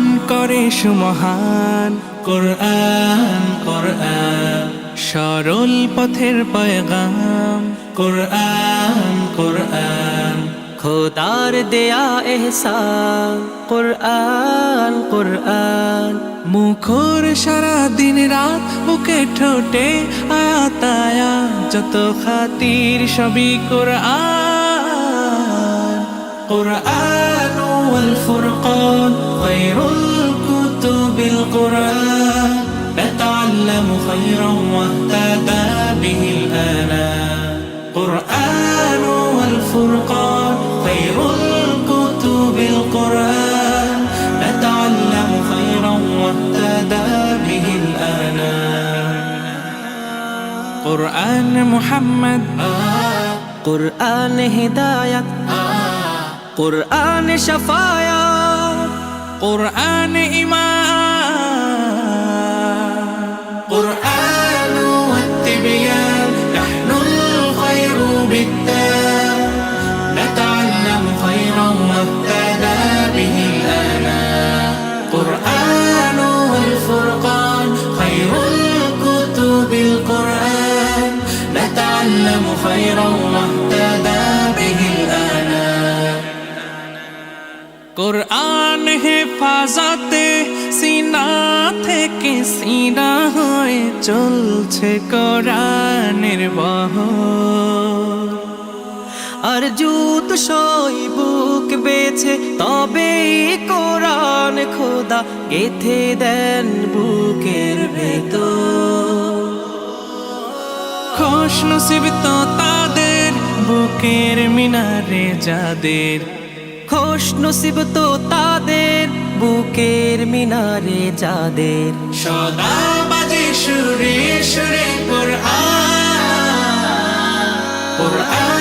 করে সুমহান। কোরআন কোরআন সরল পথের পয়গাম। কোরআন কোরআন খোদার দেয়া এহসান। কোরআন কোরআন মুখর সারা দিন রাত, বুকে ঠোঁটে আয়াত আয়াত, যত খাতির সবই কোরআন। কোরআন ওয়াল ফুরকান খায়রুল কুতুবিল কোরআন, নাতাআল্লামু খায়রান ওয়াহতাদা বিহিল আনাম। কোরআন ওয়াল ফুরকান খায়রুল কুতুবিল কোরআন, নাতাআল্লামু খায়রান ওয়াহতাদা বিহিল আনাম। কোরআন মুহাম্মদ, কোরআন হিদায়াত, কোরআন শাফায়াত, কোরআন ঈমান। কোরআন ওয়াত-তিবয়ান নাহনুল খায়রু বিত-তাম, নাতাআল্লামু খায়রান ওয়াহতাদা বিহিল আনাম। কোরআন ওয়াল ফুরকান খায়রুল কুতুবিল কোরআন, নাতাআল্লামু খায়রান ওয়াহতাদা বিহিল আনাম। কোরআন হেফাজতে সিনা থেকে সিনা হয়ে চলছে কোরআনের বহর। আর জুত সই বুক বেছে তবে কোরআন খোদা গেথে দেন বুকের ভেতর। খুশ নসিব তো তাদের বুকের মিনারে যাদের, খুশ নসিব তো তাদের বুকের মিনারে যাদের। সদা বাজে সুরে সুরে কোরআন। কোরআন